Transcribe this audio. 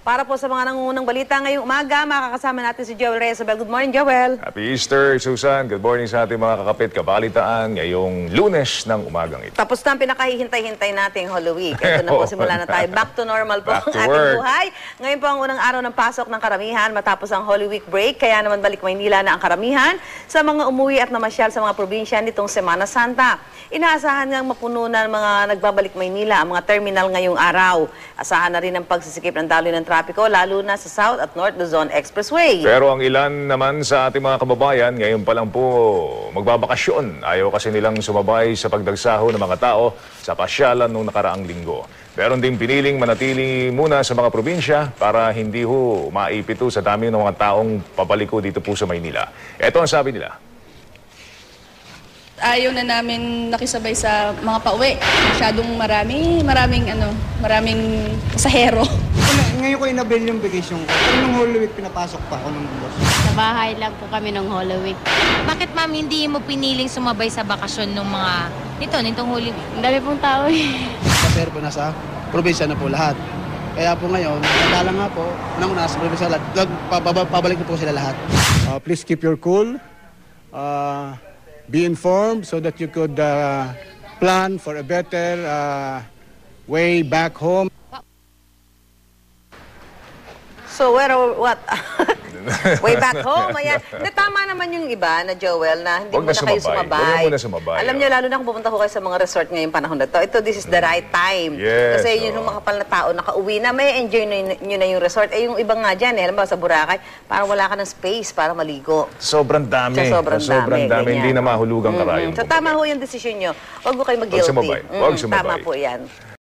Para po sa mga nangungunang balita ngayong umaga, makakasama natin si Joel Reyesabel. Good morning, Joel. Happy Easter, Susan. Good morning sa ating mga kakapit kabalitaan ngayong Lunes ng umagang ito. Tapos na ang pinakahihintay-hintay nating Holy Week. Ito na po, simula na tayo. Back to normal po Back ang to ating work. buhay. Ngayon po ang unang araw ng pasok ng karamihan matapos ang Holy Week break. Kaya naman balik Maynila na ang karamihan sa mga umuwi at namasyal sa mga probinsya nitong Semana Santa. Inaasahan ngang mapuno na mga nagbabalik Maynila ang mga terminal ngayong araw. Asahan na rin ang pagsisikip ng daloy ng trapiko, lalo na sa South at North Luzon Expressway. Pero ang ilan naman sa ating mga kababayan, ngayon pa lang po magbabakasyon. Ayaw kasi nilang sumabay sa pagdagsaho ng mga tao sa pasyalan noong nakaraang linggo. Meron ding piniling manatili muna sa mga probinsya para hindi ho maipito sa dami ng mga taong pabaliko dito po sa Maynila. Ito ang sabi nila. Ayaw na namin nakisabay sa mga pauwi. Masyadong maraming pasahero. Ngayon ko inabil yung vacation ko. Pero nung Holy Week, pinapasok pa ako ng boss. Sa bahay lang po kami ng Holy Week. Bakit ma'am hindi mo piniling sumabay sa bakasyon ng mga nitong Holy Week? Ang dami pong tao eh. Kasi po nasa probinsya na po lahat. Kaya po ngayon, nagdala nga po, nang nasa probinsya lahat, pabalik na po sila lahat. Please keep your cool. Be informed so that you could plan for a better way back home. So, what? Way back home, ayan. Hindi, tama naman yung iba na Joel na hindi Huwag muna na kayo sumabay. sumabay. Huwag na muna sumabay, Alam niyo, lalo na kung pupunta ko kayo sa mga resort ngayong panahon na to, this is the right time. Yes, Kasi yun yung makapal na tao nakauwi na, may enjoy nyo na yung resort. Eh, yung iba nga dyan, alam ba, sa Boracay, parang wala ka ng space para maligo. Sobrang dami. Sobrang dami, Hindi ganyan. na mahulugang karayom. So, tama ho yung desisyon nyo. Huwag ko kayo mag-guilty. Huwag sumabay. Huwag sumabay. Tama po yan.